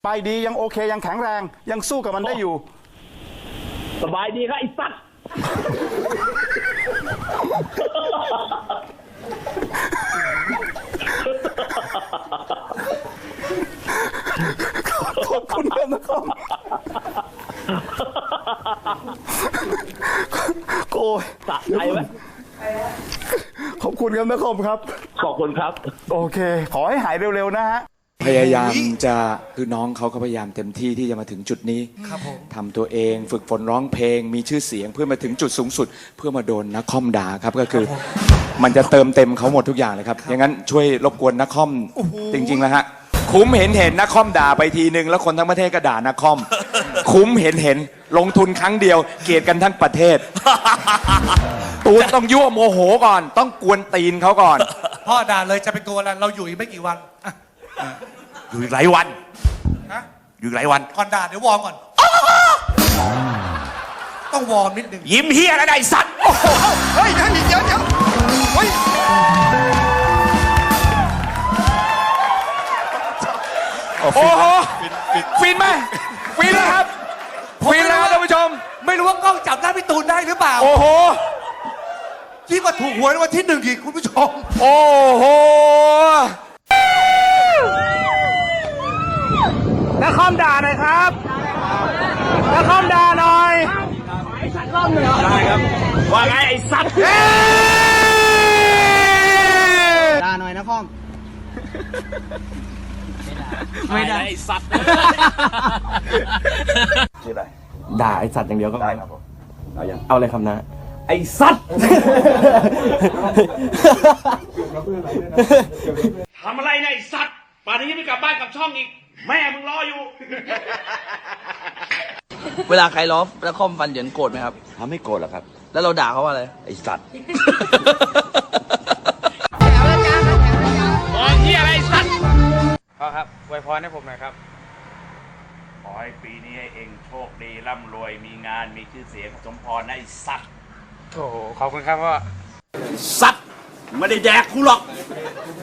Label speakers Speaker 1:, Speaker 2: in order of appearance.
Speaker 1: ไปดียังโอเคยังแข็งแรงยังสู้กับมันได้อยู่
Speaker 2: สบายดีครับไอ้สัตว์
Speaker 1: ขอบคุณครับนะครับโอ้ย
Speaker 2: สะใจไหม
Speaker 1: ขอบคุณครับนะครับครับ
Speaker 2: ขอบคุณครับ
Speaker 1: โอเคขอให้หายเร็วๆนะฮะ
Speaker 3: พยายามจะคือน้องเขาก็พยายามเต็มที่ที่จะมาถึงจุดนี้ทำตัวเองฝึกฝนร้องเพลงมีชื่อเสียงเพื่อมาถึงจุดสูงสุด เพื่อมาโดนนักคอมด่าครับก็คือมันจะเติมเต็มเขาหมดทุกอย่างเลยครับอย่างนั้นช่วยรบกวนนักคอมจริงๆแล้วฮะคุ้มเห็นนักคอมด่าไปทีนึงแล้วคนทั้งประเทศก็ด่านักคอมคุ้มเห็นลงทุนครั้งเดียวเกลียดกันทั้งประเทศตูนต้องยั่วโมโหก่อนต้องกวนตีนเขาก่อน
Speaker 4: พ่อด่าเลยจะเป็นตัวอะไรเราอยู่อีกไม่กี่วัน
Speaker 3: อยู่อีกหลายวัน
Speaker 4: นะ
Speaker 3: อยู่อีกหลายวัน
Speaker 4: ก่อนด่าเดี๋ยววอร์มก่อนต้องวอร์มนิดนึง
Speaker 3: ยิ้มเฮียอะไรสัตว์
Speaker 4: เฮ้ยเดี๋ยวเฮ้ย
Speaker 3: โอ้โหฟินไหมฟินแล้วครับฟินแล้วท่านผู้ชม
Speaker 4: ไม่รู้ว่ากล้องจับหน้าพี่ตูนได้หรือเปล่า
Speaker 3: โอ้โห
Speaker 4: ที่มาถูกหวยวันที่1อีกคุณผู้ชม
Speaker 3: โอ้โห
Speaker 1: นักคอมด่าหน่อยครับนักคอมด่าหน่อยไอ้สัตว์คอมเหรอได้ครับ
Speaker 2: ว่าไงไอ้สัตว์
Speaker 1: ด่าหน่อยนะคอม
Speaker 2: ไม่ได้ไอ้สัตว์ชื่ออะไร
Speaker 5: ด่าไอสัตว์อย่างเดียวก็
Speaker 2: ได้ครับผม
Speaker 5: เอาเลยคำนะ
Speaker 2: ไอ้สัตว์ทำอะไรเนี่ยไอ้สัตว์ป่านนี้ยังไม่กลับบ้านกลับช่องอีกแม่มึงรออยู่
Speaker 6: เวลาใครล้อแล้วคอมฟันเหยินโกรธไหมครับ
Speaker 2: เขาไม่โกรธหรอกครับ
Speaker 6: แล้วเราด่าเขาว่าอะไร
Speaker 2: ไอ้สัตว์
Speaker 6: มองที่อะไรสัตว์
Speaker 7: พ่อครับอวยพรให้ผมหน่อยครับ
Speaker 2: ขอให้ปีนี้ให้เองโชคดีร่ำรวยมีงานมีชื่อเสียงสมพรนะไอ้สัตว์
Speaker 7: โอ้โหขอบคุณครับพ่อ
Speaker 2: สัตว์ไม่ได้แดกกูหรอก